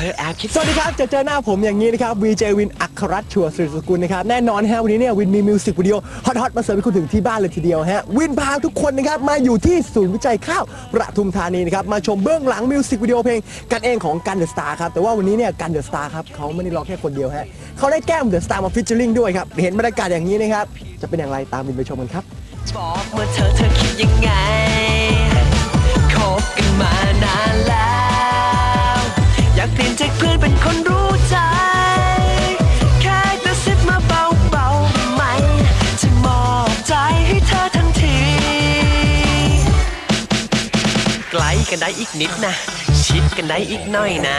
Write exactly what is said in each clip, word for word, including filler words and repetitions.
อแอบคิดสวัสดีครับจะเจอหน้าผมอย่างนี้นะครับวีเจวินอัครรัตน์ชัวศิริสกุลนะครับแน่นอนฮะวันนี้เนี่ยวินมีมิวสิกวิดีโอฮอตๆมาเสิร์ฟให้คุณถึงที่บ้านเลยทีเดียวฮะวินพาทุกคนนะครับมาอยู่ที่ศูนย์วิจัยข้าวปทุมธานีนะครับมาชมเบื้องหลังมิวสิกวิดีโอเพลงกันเองของกันเดอะสตาร์ครับแต่ว่าวันนี้เนี่ยกันเดอะสตาร์ครับเขาไม่ได้ร้องแค่คนเดียวฮะเขาได้แก้มเดอะสตาร์มาฟิชเชอร์ลิงด้วยครับเห็นบรรยากาศอย่างนี้นะครับจะเป็นอย่างไรตามวินไปชมกันครับบอกเมื่อเธอเธอคิดยังไงคบกันมานานแล้วอยากเปลี่ยนจากเพื่อนเป็นคนรู้ใจแค่กระซิบมาเบาๆไหมจะมอบใจให้เธอทันทีใกล้กันได้อีกนิดนะชิดกันได้อีกหน่อยนะ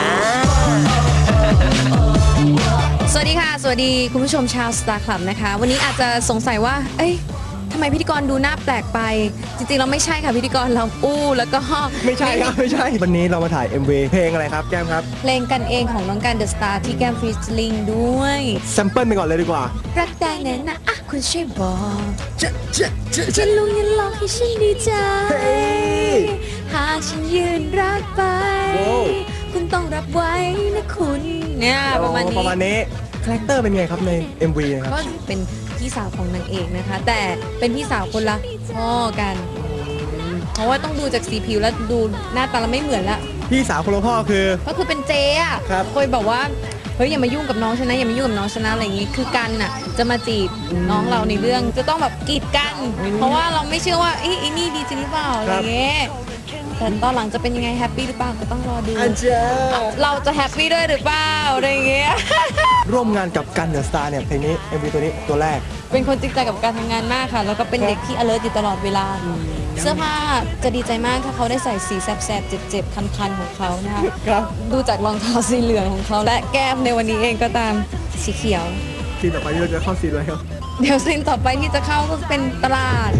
สวัสดีค่ะสวัสดีคุณผู้ชมชาวสตาร์คลับนะคะวันนี้อาจจะสงสัยว่าเอ้ยทำไมพิธีกรดูหน้าแปลกไปจริงๆเราไม่ใช่ค่ะพิธีกรเราอู้แล้วก็ไม่ใช่ครับไม่ใช่วันนี้เรามาถ่าย เอ็ม วี เพลงอะไรครับแก้มครับเพลงกันเองของน้องกันเดอะสตาร์ที่แก้มฟรีสลิงด้วยแซมเปิลไปก่อนเลยดีกว่ารักได้แน่นะอ่ะคุณช่วยบอกจะจะจะจะลุงยันลองให้ฉันดีใจหากฉันยืนรักไปคุณต้องรับไว้นะคุณเนี่ยประมาณนี้ประมาณนี้คาแรคเตอร์เป็นไงครับใน เอ็ม วี นะครับก็เป็นพี่สาวของนางเอกนะคะแต่เป็นพี่สาวคนละพ่อกันเพราะว่าต้องดูจากสีผิวแล้วดูหน้าตาเราไม่เหมือนละพี่สาวคนละพ่อคือก็คือเป็นเจ๊อะเคยบอกว่าเฮ้ยอย่ามายุ่งกับน้องฉันนะอย่ามายุ่งกับน้องฉันนะอะไรอย่างงี้คือกันน่ะจะมาจีบน้องเราในเรื่องจะต้องแบบกีดกันเพราะว่าเราไม่เชื่อว่าไอ้นี่ดีจริงหรือเปล่าอะไรเงี้ยแต่ตอนหลังจะเป็นยังไงแฮปปี้หรือเปล่าก็ต้องรอดูเราจะแฮปปี้ด้วยหรือเปล่าอะไรเงี้ยร่วมงานกับกันเดอะสตาร์เนี่ยเพลงนี้ เอ็ม วี ตัวนี้ตัวแรกเป็นคนจริงใจกับการทำงานมากค่ะแล้วก็เป็นเด็กที่ alert อยู่ตลอดเวลาเสื้อผ้าจะดีใจมากถ้าเขาได้ใส่สีแสบๆเจ็บๆคันๆของเขานะคะดูจากรองเท้าสีเหลืองของเขาและแก้มในวันนี้เองก็ตามสีเขียวซีนต่อไปที่เราจะเข้าซีนอะไรครับเดี๋ยวซีนต่อไปที่จะเข้าก็เป็นตลาด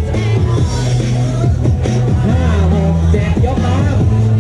ห้าหกเจ็ดยกมา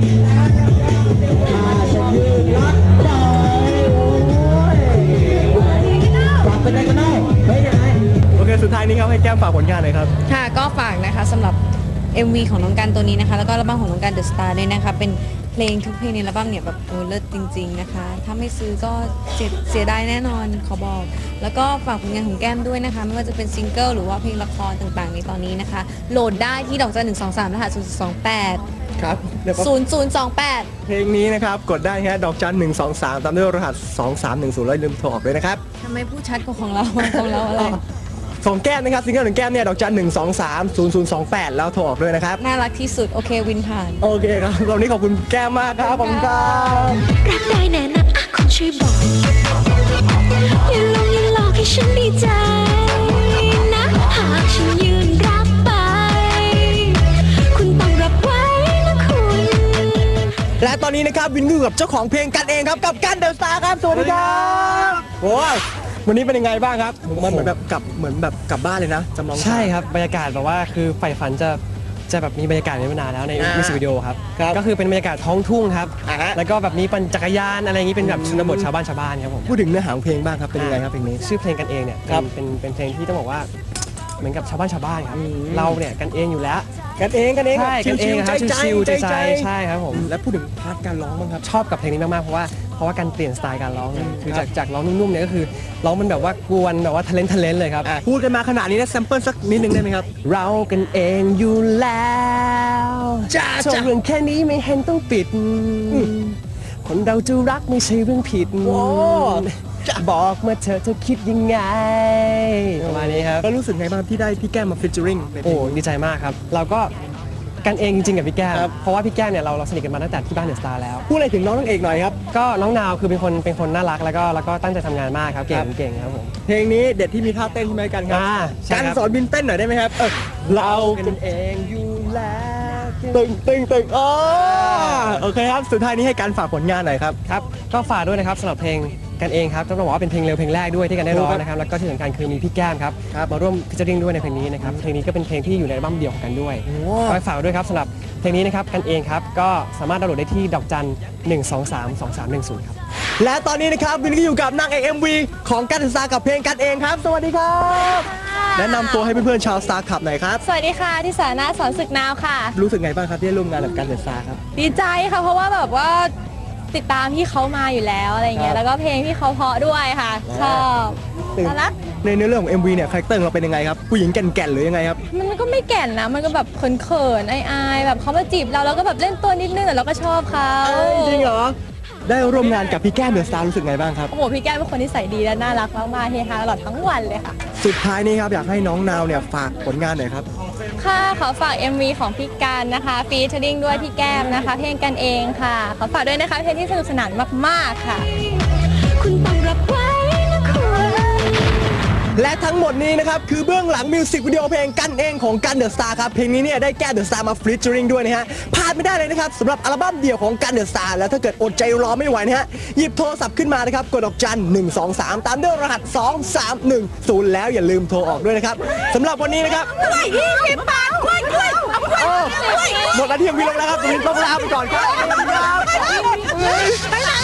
มาฉันยืนรักได้โอ้ยฝากเป็นไงกันได้เฮ้ยยังไงโอเคสุดท้ายนี้ครับให้แก้มฝากผลงานหน่อยครับค่ะก็ฝากนะคะสำหรับ เอ็ม วี ของน้องกันตัวนี้นะคะแล้วก็อัลบั้มของน้องกันเดอะสตาร์เนี่ยนะคะเป็นเพลงทุกเพลงในอัลบั้มเนี่ยแบบโอ้เลิศจริงๆนะคะถ้าไม่ซื้อก็เสียเสียดายแน่นอนขอบอกแล้วก็ฝากผลงานของแก้มด้วยนะคะไม่ว่าจะเป็นซิงเกิลหรือว่าเพลงละครต่างๆในตอนนี้นะคะโหลดได้ที่ดอกจันหนึ่งสองสามรหัสศูนย์สองแปดครับศูนย์ศูนย์สองแปดเพลงนี้นะครับกดได้ฮะดอกจันหนึ่งสองสามตามด้วยรหัสสองสามหนึ่งศูนย์แล้วลืมโทรออกด้วยนะครับทำไมพูดชัดกว่าของเราของเราอะไรของแก้มนะครับซิงเกิลของแก้มเนี่ยดอกจันหนึ่งสองสามศูนย์ศูนย์สองแปดแล้วโทรออกด้วยนะครับน่ารักที่สุดโอเควินผ่านโอเคครับวันนี้ขอบคุณแก้มมากครับขอบคุณครับรักได้แน่นะอ่ะคุณช่วยบอกอย่าลงอย่าหลอกให้ฉันดีใจนะหากฉันยืนรับไปคุณต้องรับไว้นะคุณและตอนนี้นะครับวินอยู่กับเจ้าของเพลงกันเองครับกับกันเดอะสตาร์ครับสวัสดีครับโอ้ยวันนี้เป็นยังไงบ้างครับมันเหมือนแบบกลับเหมือนแบบกลับบ้านเลยนะจำลองใช่ครับบรรยากาศแบบว่าคือใฝ่ฝันจะจะแบบมีบรรยากาศนี้มานานแล้วในมิวสิกวิดีโอครับก็คือเป็นบรรยากาศท้องทุ่งครับแล้วก็แบบมีปั่นจักรยานอะไรอย่างนี้เป็นแบบชนบทชาวบ้านชาวบ้านครับผมพูดถึงเนื้อหาของเพลงบ้างครับเป็นยังไงครับเพลงนี้ชื่อเพลงกันเองเนี่ยเป็นเป็นเพลงที่ต้องบอกว่าเหมือนกับชาวบ้านชาวบ้านครับเราเนี่ยกันเองอยู่แล้วกันเองกันเองใช่กันเองครับชิวๆใจใจใช่ครับผมแล้วพูดถึงพาร์ทการร้องบ้างครับชอบกับเพลงนี้มากๆเพราะว่าเพราะว่าการเปลี่ยนสไตล์การร้องเลยคือจากจากร้องนุ่มๆเนี่ยก็คือร้องมันแบบว่ากวนแบบว่าทะเลนทะเลนเลยครับพูดกันมาขนาดนี้นะแซมเปิลสักนิดนึงได้ไหมครับเรากันเองอยู่แล้วจ้าจ้าเรื่องแค่นี้ไม่เห็นต้องปิดคนเราจะรักไม่ใช่เรื่องผิดบอกมาเธอเธอคิดยังไงประมาณนี้ครับก็รู้สึกไงบ้างที่ได้พี่แก้มมาฟิชเจอริงโอ้ดีใจมากครับเราก็กันเองจริงๆกับพี่แก้มเพราะว่าพี่แก้มเนี่ยเราเราสนิทกันมาตั้งแต่ที่บ้านเดอะสตาร์แล้วพูดอะไรถึงน้องนางเอกหน่อยครับก็น้องนาวคือเป็นคนเป็นคนน่ารักแล้วก็แล้วก็ตั้งใจทำงานมากครับเก่งเก่งครับผมเพลงนี้เด็ดที่มีท่าเต้นใช่ไหมกันครับการสอนบินเต้นหน่อยได้ไหมครับเรากันเองอยู่แล้วตึงตึงตึงอ๋อโอเคครับสุดท้ายนี้ให้การฝากผลงานหน่อยครับครับก็ฝากด้วยนะครับสำหรับเพลงกันเองครับต้องบอกว่าเป็นเพลงเร็วเพลงแรกด้วยที่กันได้ร้องนะครับแล้วก็ที่สำคัญคือมีพี่แก้มครับมาร่วมฟิชเชอริงด้วยในเพลงนี้นะครับเพลงนี้ก็เป็นเพลงที่อยู่ในอัลบั้มเดี่ยวของกันด้วยก็ฝากด้วยครับสำหรับเพลงนี้นะครับกันเองครับก็สามารถดาวน์โหลดได้ที่ดอกจันหนึ่งสองสามสองสามหนึ่งศูนย์ครับและตอนนี้นะครับวินก็อยู่กับนางเอก เอ็ม วี ของกันเดอะสตาร์กับเพลงกันเองครับสวัสดีครับแนะนำตัวให้เพื่อนๆชาวสตาร์คลับหน่อยครับสวัสดีค่ะที่สานาสอนศึกนาวค่ะรู้สึกไงบ้างครับที่ได้ร่วมงานกับกันเดอะสตาร์ครับดีใจค่ะเพราะว่าแบบว่าติดตามพี่เขามาอยู่แล้วอะไรเงี้ครัยบแล้วก็เพลงพี่เขาเพราะด้วยค่ะ ชอบน่ารักในเนื้อเรื่องของ เอ็ม วี เนี่ยคาแรคเตอร์ของเราเป็นยังไงครับผู้หญิงแก่นๆหรือยังไงครับมันก็ไม่แก่นนะ มันก็แบบเขินๆอายๆแบบเขามาจีบเราแล้วก็แบบเล่นตัวนิดนึงแต่เราก็ชอบเขาจริงเหรอได้ร่วมงานกับพี่แก้มเดอะสตาร์รู้สึกไงบ้างครับโอ้โหพี่แก้มเป็นคนที่ใส่ดีและน่ารักมากๆเฮฮาตลอดทั้งวันเลยค่ะสุดท้ายนี้ครับอยากให้น้องนาวเนี่ยฝากผลงานหน่อยครับค่ะขอฝาก เอ็ม วี ของพี่การนะคะฟีเจอริ่งด้วยพี่แก้มนะคะ เพลงกันเองค่ะ ขอฝากด้วยนะคะเพลงที่สนุกสนานมากๆค่ะคุณต้องรับไว้นะคุณและทั้งหมดนี้นะครับคือเบื้องหลังมิวสิกวิดีโอเพลงกันเองของกันเดอะสตาร์ครับเพลงนี้เนี่ยได้แก้เดอะสตาร์มาฟรีเจอริงด้วยนะฮะพลาดไม่ได้เลยนะครับสำหรับอัลบั้มเดี่ยวของกันเดอะสตาร์แล้วถ้าเกิดอดใจรอไม่ไหวนะฮะหยิบโทรศัพท์ขึ้นมานะครับกดดอกจันหนึ่งสองสามตามด้วยรหัสสองสามหนึ่งศูนย์แล้วอย่าลืมโทรออกด้วยนะครับสำหรับวันนี้นะครับหมดหน้าที่ของพี่ลงแล้วครับวันนี้ต้องลาไปก่อนครับ